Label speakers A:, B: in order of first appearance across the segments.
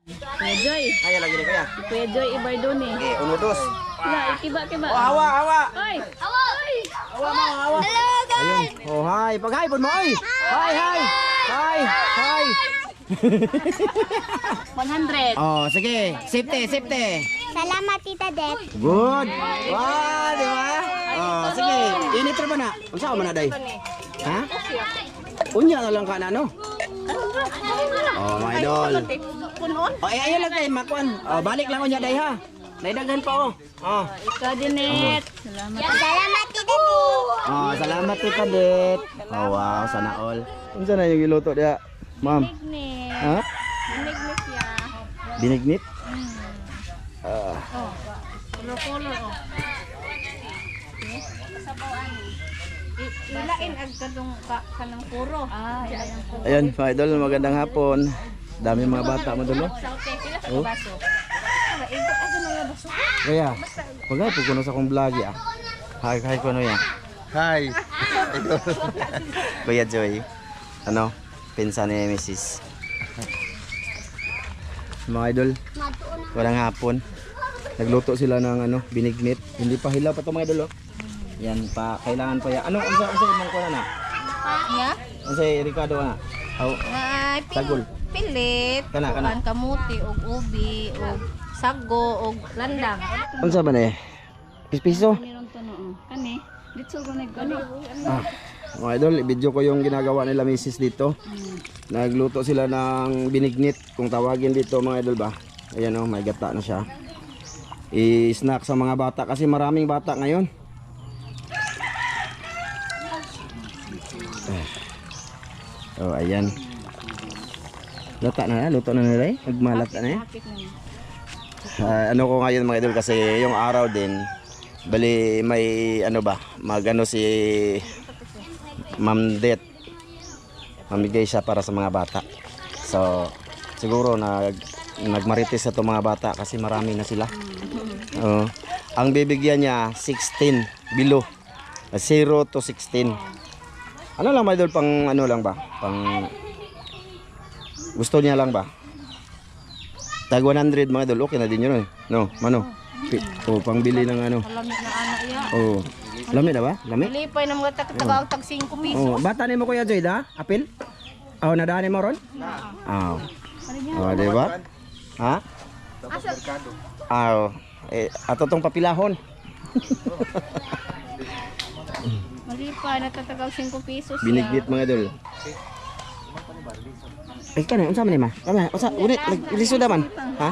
A: Kuya Joy.
B: Kaya lagi ni kaya.
A: Kuya Joy ibay doon eh.
B: Okay, 1, 2.
A: Wala, ikiba-kiba.
B: Oh, hawa, hawa.
A: Oy!
C: Oy!
B: Hawa mo, hawa.
C: Hello guys!
B: Ayun. Oh, hi. Pag-hi po mo, oy. Hi, hi. Hi, hi.
A: 100.
B: Oh, sige. Safety, safety.
C: Salamat Tita Det.
B: Good. Wow, di ba? Oh, sige. Init ra ba na? Unsa ka man na day? Ha? Unya na lang ka na, no? Oh, my idol.
A: Punon.
B: Oh, ayun lang tayo, makuan. Oh, balik lang unya day ha. Naidaghan pa oh. Oh.
A: Ikaw din, Net. Salamat.
C: Salamat Tita Det.
B: Oh, salamat Tita Det. Oh, wow, sana all. Unsa na yung iluto dia, ma'am?
A: Binignit.
B: Ha?
A: Binignit ya.
B: Binignit?
A: Color-color oh. Ilain ag kadong kanang puro. Ah, ilain puro.
B: Ayun, mga idol, magandang hapon. Dami mga bata mo dulo.
A: Saute pila sa
B: Oh.
A: baso. Para ikot ako mga baso.
B: Kaya, pagay po kuno sa akong vlog ya. Hi, hi kuno ya.
D: Hi.
B: Kuya Joy. Ano? Pinsan ni Mrs. Mga idol, walang hapon. Nagluto sila ng ano, binignit. Hindi pa hilaw pa to mga idol oh. Yan pa, kailangan pa yan. Ano, unsa imong kuha na?
A: Ya.
B: Unsa Ricardo na? Aw,
A: Ay,
B: sagol.
A: pilit.
B: Kana.
A: Kuan kamuti og ubi og sago og landang.
B: Unsa ba ni? Piso?
A: Meron to no. Kani, dito ko nagano.
B: Ah, mga idol, i-video ko yung ginagawa nila misis dito. Nagluto sila ng binignit, kung tawagin dito mga idol ba. Ayan oh, may gata na siya. I-snack sa mga bata kasi maraming bata ngayon. Oh, ayan. Lata na, luto na nila eh. Nagmalat na eh. Ano ko ngayon mga idol kasi yung araw din bali may ano ba magano si Ma'am Det, mamigay siya para sa mga bata. So siguro nagmarites sa to mga bata kasi marami na sila. Ang bibigyan niya 16 below, 0 to 16. Ano lang mga idol, pang ano lang ba, pang gusto niya lang ba, tag 100 mga idol, okay na din yun eh. No, mano pang bili ng ano.
A: Lamit na ana iya.
B: Oh, lamit na ba? Lamit?
A: Lipay na mga tagaw tag 5 piso.
B: Oh, bata ni mo Kuya Joy da? Apil? Oh, nadaan mo ron? Oh. Oh, di ba? Ha? Oh, ato tong papilahon.
A: Malipay na tatagaw 5 pesos.
B: Binignit mga idol. Ay kanay, unsa man ni ma? Kama, unsa unit lisod man? Ha?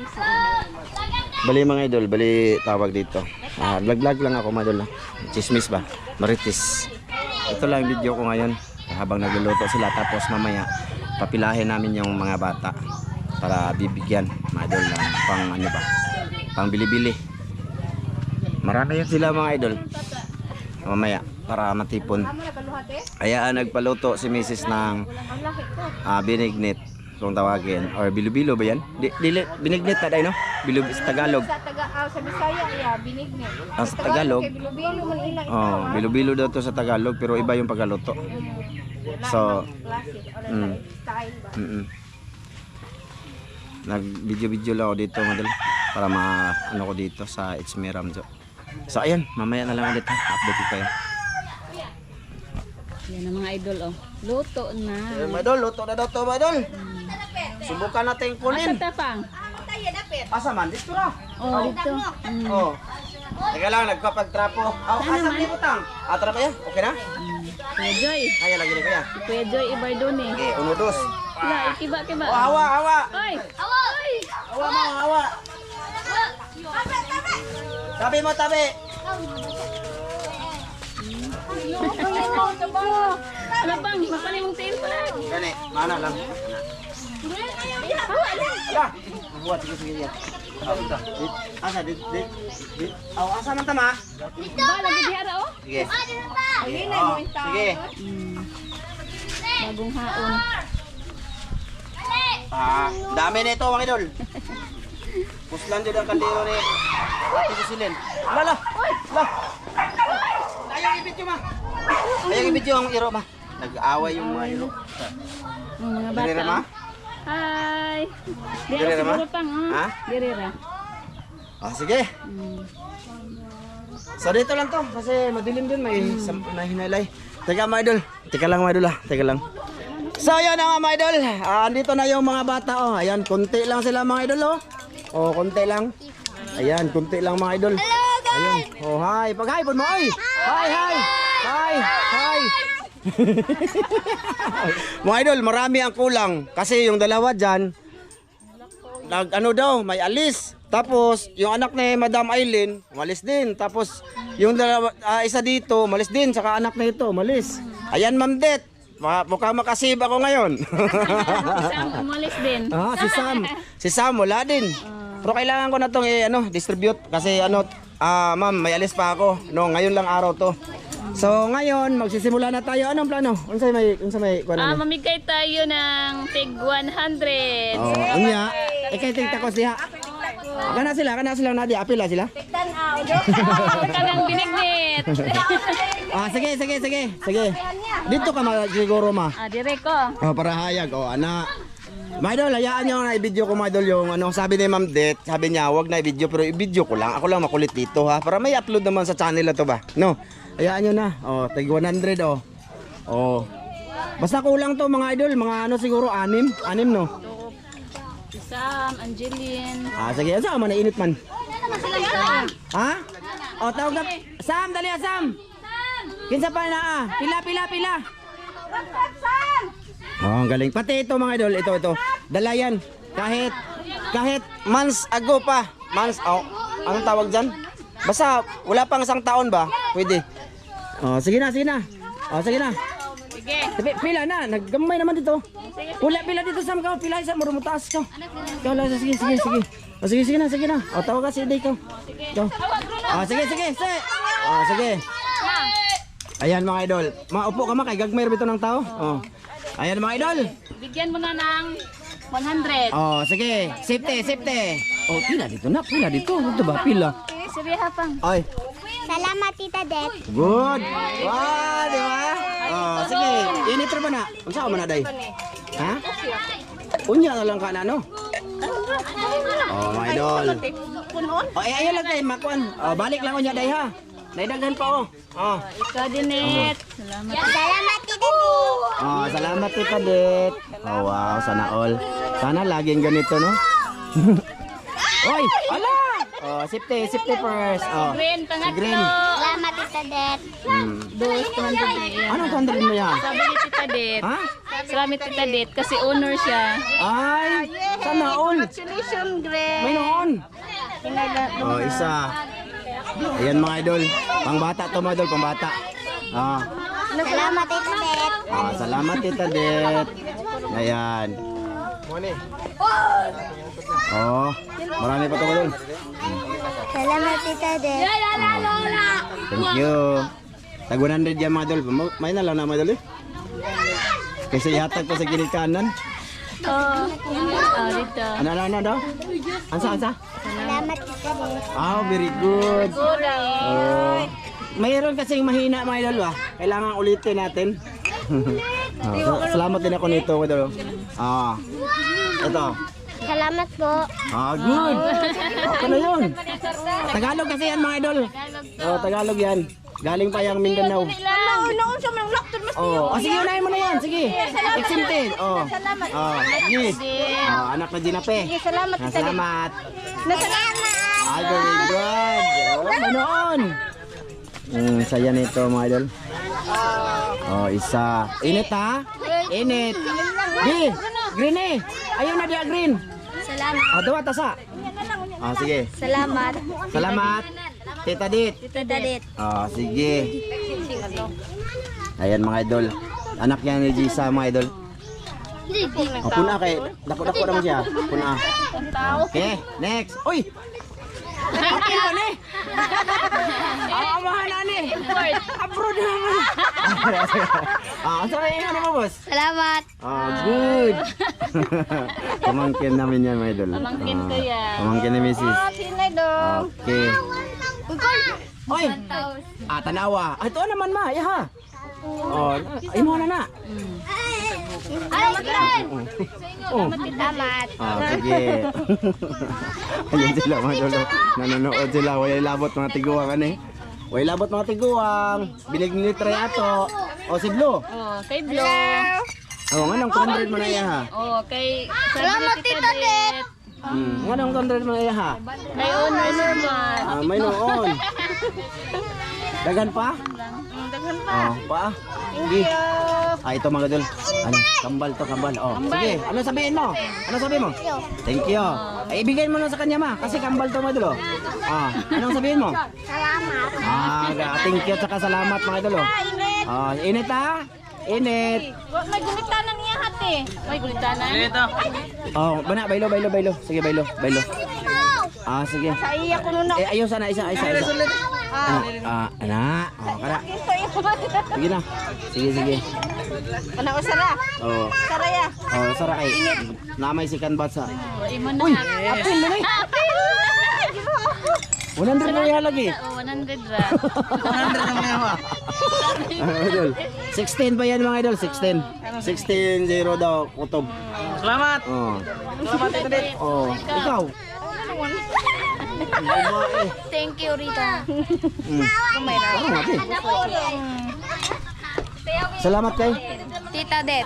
B: Bali mga idol, bali tawag dito. Vlog lang ako mga idol. Chismis ba? Marites. Ito lang video ko ngayon habang nagluluto sila, tapos mamaya papilahin namin yung mga bata para bibigyan mga idol ng pang ano ba? Pang bili-bili. Marami yan sila mga idol. Mamaya para matipon. Kaya nagpaluto si Mrs. ng binignit kung tawagin, or bilo-bilo ba yan? Binignit na dahil no? Bilo sa Tagalog.
A: Sa Bisaya ya binignit.
B: Sa Tagalog.
A: Bilo-bilo man ila.
B: Oh, bilo-bilo daw to sa Tagalog pero iba yung pagkaluto. So, nag-video lang ako dito madal para ano ko dito sa It's Me Ramjo. So ayan, mamaya na lang ulit ha. Update ko kayo.
A: Yan ang mga idol oh. Luto na.
B: Mga idol, luto na daw to mga idol. Subukan natin kunin.
A: Asa tapang?
B: Asa man? Dito na.
A: Oh, dito.
B: Oh. Teka lang, nagkapag-trapo. Asa may butang? Trap yan? Okay na?
A: Kuya Joy.
B: Kaya lagi ni kaya.
A: Kuya Joy ibay doon eh.
B: Okay, 1, 2.
A: Wala, ikiba-kiba.
B: Oh, hawa, hawa.
A: Oy!
B: Hawa mo, hawa. Tabi mo, tabi.
A: Ano bang? Mapanin mong tail pala.
B: Gani, mana lang. Ala, buat sige yan. Asa dit. Aw, asa man tama?
A: Ba, lagi dihara oh.
B: Sige.
A: Ayun na mo yung tao.
B: Sige.
A: Bagong haon.
B: Dami nito mga idol. Puslan din ang kaldero ni Ate Susilin. Ala. Ayaw i-video ma. Ayaw i-video ang iro ma. Nag-aaway yung mga iro.
A: Mga
B: Dali
A: bata.
B: ma.
D: Hi. Diri
B: Diri ra, ma?
D: siguro pang,
B: Ha?
D: Diri ra.
B: Sige. So dito lang to kasi madilim din may hinalay. Teka mga idol. Teka lang mga idol Teka lang. So yun na mga idol. Andito na yung mga bata oh. Ayan, konti lang sila mga idol oh. Oh, konti lang. Ayan, konti lang mga idol. Ayun. Oh, hi. Pag-hi po mo. Ay. Hi, hi. Hi. Hi. Mga idol, marami ang kulang kasi yung dalawa diyan ano daw, may alis. Tapos, yung anak ni Madam Aileen, umalis din. Tapos, yung dalawa, isa dito, umalis din. Saka anak na ito, umalis. Ayan, Ma'am Det. Mukhang makasib ako ngayon.
D: Sam umalis din.
B: Si Sam. Si Sam, wala din. Pero kailangan ko na itong distribute. Kasi ma'am, may alis pa ako. No, ngayon lang araw to. So, ngayon, magsisimula na tayo. Anong plano? Unsay may
D: Mamigay tayo ng tig 100.
B: Unya. Ikay tigtakos diha. Kana sila Nadia, apila sila.
D: Kanang binignit.
B: Sige. Dito ka siguro ma.
D: Dire ko.
B: Para hayag ana. Mga idol, hayaan nyo na i-video ko mga idol yung sabi ni Ma'am Det, sabi niya wag na i-video pero i-video ko lang. Ako lang makulit dito ha, para may upload naman sa channel na to ba. No, hayaan nyo na. Tig 100 Basta kulang to mga idol, mga siguro 6 no.
D: Sam, Angeline.
B: Sige, saan man init man. Ha? Tawag na. Sam, dali Sam. Kinsa pa na Pila. Ang galing. Pati ito mga idol, ito. Dalayan. Kahit months ago pa. Anong tawag dyan? Basta wala pang 1 taon ba? Pwede. Sige na. Sige. Pila na, naggamay naman dito. Pila dito Sam ka, pila isa mo taas ka. Sige. Sige na. Tawag ka si Day ko. Sige. Sige. Ayan mga idol. Maupo ka kay gagmay bito ng tao. Ayan mga idol.
D: Bigyan mo na ng 100.
B: Sige. Safety. Pila dito na. Ito ba? Pila.
D: Sabiha pang.
B: Ay.
C: Salamat, Tita Det.
B: Good. Wow, di ba? Sige. Init ra ba na? Unsa ka man na day? Ha? Unya na lang ka na no? Mga idol. Ayun lang tayo makuan. Balik lang unya day ha. Naidaghan pa
D: Ikaw din, Net. Salamat.
C: Salamat, Tita Det.
B: Salamat Tita Det. Wow, sana all. Sana laging ganito no? Oy, ala! Safety first.
D: Green, pangatlo.
B: Green.
C: Salamat, Tita Det.
D: Dos, 200.
B: Anong 100 mo yan?
D: Sabi ni Tita Det.
B: Ha?
D: Salamat Tita Det kasi owner siya.
B: Ay, sana all.
C: Congratulations, Greg.
B: May noon. Isa. Ayan mga idol. Pangbata to mga idol, pangbata.
C: Salamat, Tita Det.
B: Salamat Tita Det. Ayan. Marami pa to mga idol.
C: Salamat, Tita Det.
B: Thank you. Tag 100 yan mga idol. May na lang na mga idol eh. Kasi ihatag ko sa gilid kanan.
D: Dito.
B: Ano daw? Ansa?
C: Salamat, Tita Det.
B: Very good. Mayroon kasing mahina mga idol ba? Kailangan ulitin natin. Salamat din ako nito mga idol. Ito.
C: Salamat po.
B: Good. Ano yun? Tagalog kasi yan mga idol. Tagalog yan. Galing pa yung Mindanao. Sige, unahin mo na yan. Sige. Excited. Anak na Ginape.
C: Salamat, Tita Det.
B: Salamat.
C: Salamat.
B: Very good. Manoon. Saya nito mga idol. Isa. Init ha? Init. Green eh. Ayaw na dia green.
C: Salamat.
B: Dawa tasa. Sige.
C: Salamat.
B: Salamat. Tita Det.
C: Tita Det.
B: Sige. Ayan mga idol. Anak niya ni Gisa mga idol. Puna kay. Dako-dako naman siya. Puna. Okay, next. Uy! Kapil ko ni. Amahan na ni. Abroad naman. Saan yung ano mo boss?
C: Salamat.
B: Good. Pamangkin namin yan mga idol.
D: Pamangkin ko yan.
B: Pamangkin ni Mrs.
C: Sinay dong.
B: Okay. Oy! Tanawa. Ito naman ma. Yaha. Imo na na.
C: Salamat din.
B: Oh.
C: Salamat.
B: Sige. Ayun sila mga idol. Nanonood sila. Wala labot mga tiguang ano eh. Wala labot mga tiguang. Binig ni Trey ato. O si Blue.
D: Oh, kay Blo.
B: Oh, anong 200 mo na iya ha?
D: Oh, kay
C: Salamat, Tita Det.
B: Anong 200 mo na iya ha?
D: Kay Honor naman.
B: May noon. Dagan pa?
C: Daghan pa.
B: Oh, pa. Sige. Ito mga idol. Ano, kambal to, kambal. Oh, sige. Ano sabihin mo? Ano sabihin mo? Thank you. Ay, ibigay mo na sa kanya ma, kasi kambal to mga idol. Oh. Ah, anong sabihin mo?
C: Salamat.
B: Thank you at salamat mga idol. Oh, init ha? Init.
C: May gulitanan niya hati.
D: May gulitanan.
B: Oh, bana, bailo. Sige, bailo. Ah, sige.
C: Sa iya ko nun
B: Eh, ayos sana, isa. Anak. Oh, kara. Sige na. Sige.
C: Ano ko sara?
B: Oh.
C: Saraya.
B: Oh, sara kay. Namay si Kanbat sa.
D: Imo na.
B: Uy, apil na ni. 100 na yan lagi.
D: Oh, 100 ra.
B: 100 na mga idol. 16 pa yan mga idol, 16. 16-0 daw, kutob.
E: Salamat.
B: Oh. Salamat ito din. Oh, ikaw.
C: Thank you, Rita.
B: Ano natin? Salamat kay.
C: Tita Det.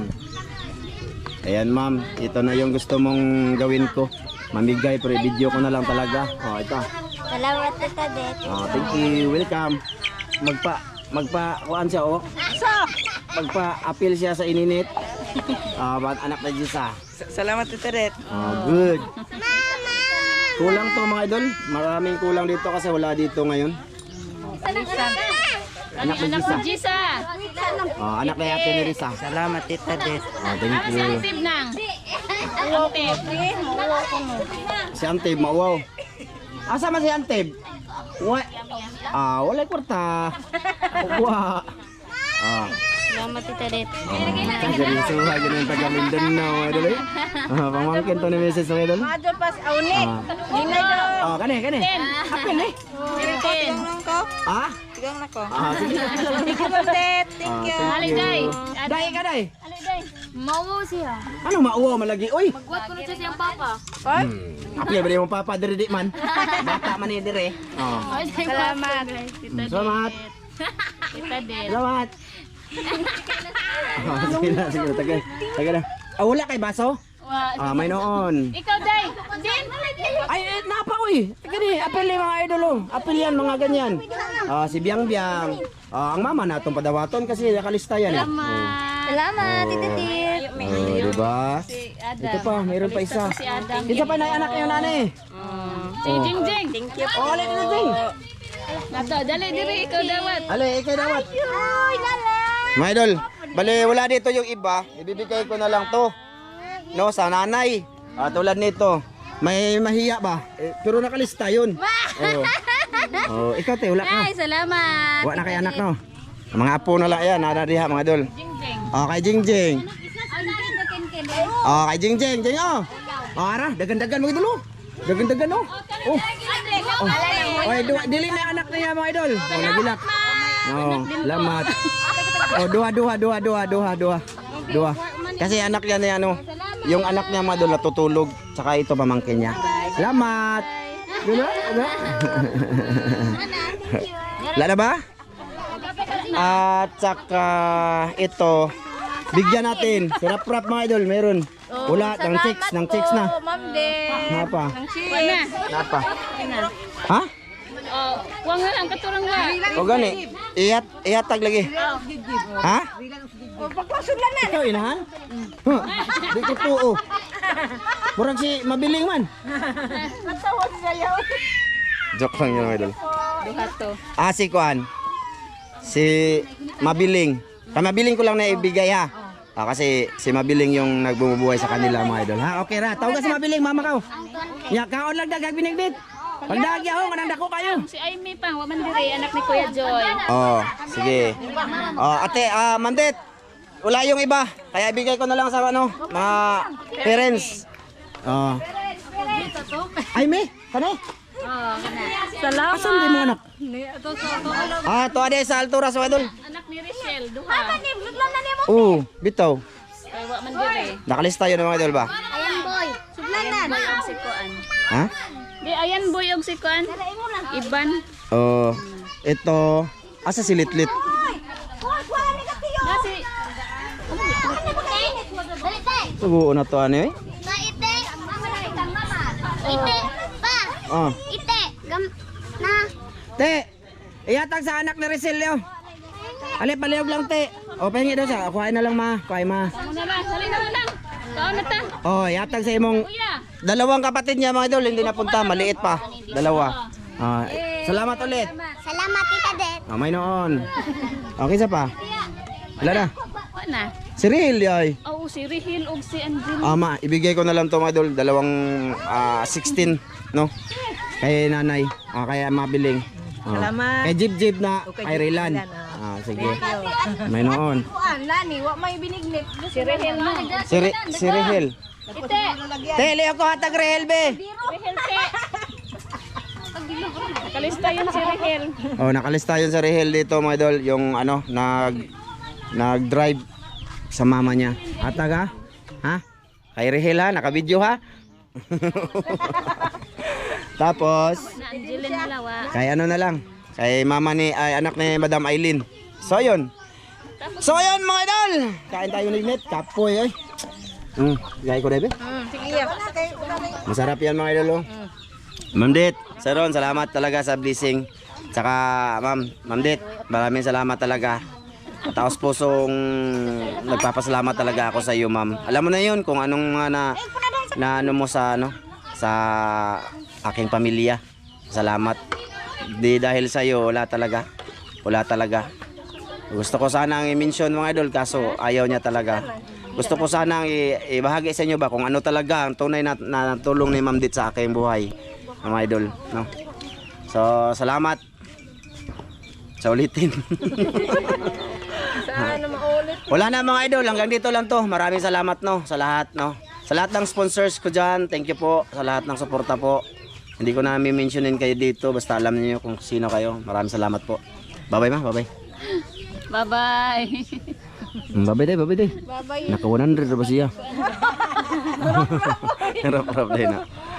B: Ayan ma'am, ito na yung gusto mong gawin ko. Mamigay pero i-video ko na lang talaga. Oh, ito.
C: Salamat, Tita Det.
B: Oh, thank you. Welcome. Kuan siya oh. Magpa-appeal siya sa ininit. Ba't anak na Jisa.
E: Salamat, Tita Det.
B: Good. Kulang to mga idol. Maraming kulang dito kasi wala dito ngayon.
D: Anak ni Jisa.
B: Anak na Ate ni Risa.
E: Salamat, Tita Det.
B: Thank
D: Si
B: you.
D: Antib nang. Antib.
B: Si Antib, mauwaw. Asa man si Antib? Wala kwarta. Wa.
C: Salamat, Tita Det.
B: Ganun suha, ganun taga Mindanao, idol eh. Pamangkin to ni Mrs. mga idol.
C: Adyo pas auni.
B: Kani. Apel eh.
C: Tigang lang ko.
B: Ah?
C: Tigang na ko.
B: Sige.
C: Thank you, Det. Thank you.
D: Ali day.
B: Dai ka dai.
C: Mauwo siya.
B: Ano mauwaw malagi? Uy.
C: Magwat ko na siya siyang papa.
B: Apel ba di mo papa diri di man? Bata man ni dire.
C: Salamat.
B: Salamat.
D: Tita Det.
B: Salamat. Sige na. Taga na. Wala kay baso? May noon.
D: Ikaw day. Jin.
B: Ay, napa uy. Gani, apel yung mga idol oh. Apel yan, mga ganyan. Si Biang Biang. Ang mama na itong padawaton kasi nakalista yan eh.
C: Salamat, Tita Det.
B: Diba? Ito pa, mayroon pa isa.
D: Si Adam.
B: Isa pa na anak yung nanay.
D: Si Jingjing.
C: Thank you.
B: Ulit na ding.
D: Nato, dali diri ikaw dawat.
B: Ale, ikaw dawat.
C: Uy, lala.
B: Mga idol, bali wala dito yung iba. Ibibigay ko na lang to. No, sa nanay. Tulad nito. May mahiya ba? Pero nakalista yun. Ikaw te, wala ka.
C: Ay, salamat.
B: Wala na kay anak no. Mga apo na lang yan, nanadiha mga idol.
D: Jingjing.
B: Kay Jingjing. Kay Jingjing, Jing oh. Ara, dagan-dagan mga idol oh. Dagan-dagan oh. Oy, dili na anak niya mga idol. Nagilak. Salamat. Dua. Kasi anak niya na ano, yung anak niya mga idol natutulog, saka ito pamangkin niya. Salamat. Wala? Wala ba? At saka ito, bigyan natin. Sirap-rap mga idol, meron. Wala, ng chicks na.
C: Ma'am De.
B: Napa?
D: Wana.
B: Napa? Ha?
D: Oh, wang nga lang katurang wa.
B: O gani, ihatag lagi. Ha?
C: Pagpasulan na.
B: Ikaw inahan? Di ko tuo. Murag si mabiling man.
C: Natawa siya.
B: Joke lang yun mga idol.
D: Duha to.
B: Si Kuan. Si Mabiling. Mabiling ko lang na ibigay ha. Kasi si Mabiling yung nagbumubuhay sa kanila mga idol. Ha, okay ra. Tawag ka si Mabiling, mama ka. Ya, kaon lang dagag binigbit. Pagdagi ako, kanang dako kayo.
D: Si Amy pa, wa man diri anak ni Kuya Joy.
B: Sige. Ate, Mandet. Wala yung iba. Kaya ibigay ko na lang sa ano, mga parents. Ay, me. Kani?
D: Salamat.
B: Asan di mo anak? To ade sa altura sa idol.
D: Anak ni Richelle, duha.
B: Bitaw.
D: wa man dire.
B: Nakalista yun mga idol ba?
C: Ayan boy. Sudlanan.
D: Boy og si Kuan.
B: Ha?
D: Di ayan boy og si Kuan. Iban.
B: Oh, ito. Asa si Litlit?
D: Nasi
B: Subuo na to ano eh?
C: Ite. Ite. Pa.
B: Oh.
C: Ite. Na.
B: Te, iyatag sa anak ni Rizelio. Ali, palihog lang te. O, pahingi daw siya. Kuhain na lang ma. Kuhain ma.
D: mo na lang, sali na lang. Kaon na ta.
B: O, iyatag sa imong
D: Kuya.
B: dalawang kapatid niya mga idol. Hindi napunta. Maliit pa. Dalawa. Salamat ulit.
C: Salamat Tita Det.
B: May noon. Okay sa pa? Wala na.
D: Wa na.
B: Si Ril, ay.
D: Oo, si Rihil og si Angel.
B: Ma, ibigay ko na lang to mga idol. Dalawang 16, no? Kay nanay. Kaya mabiling.
E: Salamat.
B: Kay Jib na kay Rilan. Sige. May noon.
C: Kuan lani, wa may binignit.
D: Si Rihil mo.
B: Si Rihel.
D: Ite.
B: Tele ako hatag Rihel be.
D: Rihil te. Nakalista yun si Rihil.
B: Oh, nakalista yun sa Rihel dito mga idol, yung ano, nag-drive sa mama niya. Hatag ha? Ha? Kay Rihel ha, naka-video ha? Tapos,
D: Na Angelin Malawa.
B: kay ano na lang, kay mama ni, anak ni Madam Aileen. So yun. So yun mga idol. Kain tayo ng net, kapoy eh. Gaya ko Debe.
C: Sige.
B: Masarap yan mga idol oh. Ma'am Det, Sir Ron, salamat talaga sa blessing. Tsaka Ma'am Det, maraming salamat talaga. Taos pusong nagpapasalamat talaga ako sa iyo, ma'am. Alam mo na 'yun kung anong mga na ano mo sa ano sa aking pamilya. Salamat. Di dahil sa iyo wala talaga. Wala talaga. Gusto ko sana ang i-mention mga idol kaso ayaw niya talaga. Gusto ko sana ang ibahagi sa inyo ba kung ano talaga ang tunay na tulong ni Ma'am Dit sa aking buhay, mga idol, no? So, salamat. Sa ulitin.
C: Sana maulit.
B: Wala na mga idol, hanggang dito lang to. Maraming salamat no sa lahat no. Sa lahat ng sponsors ko diyan, thank you po sa lahat ng suporta po. Hindi ko na mi-mentionin kayo dito, basta alam niyo kung sino kayo. Maraming salamat po. Bye-bye ma, bye-bye.
D: Bye-bye.
B: Bye-bye day, bye-bye day.
C: Bye-bye.
B: Naka 100 ba siya? Harap-harap din na.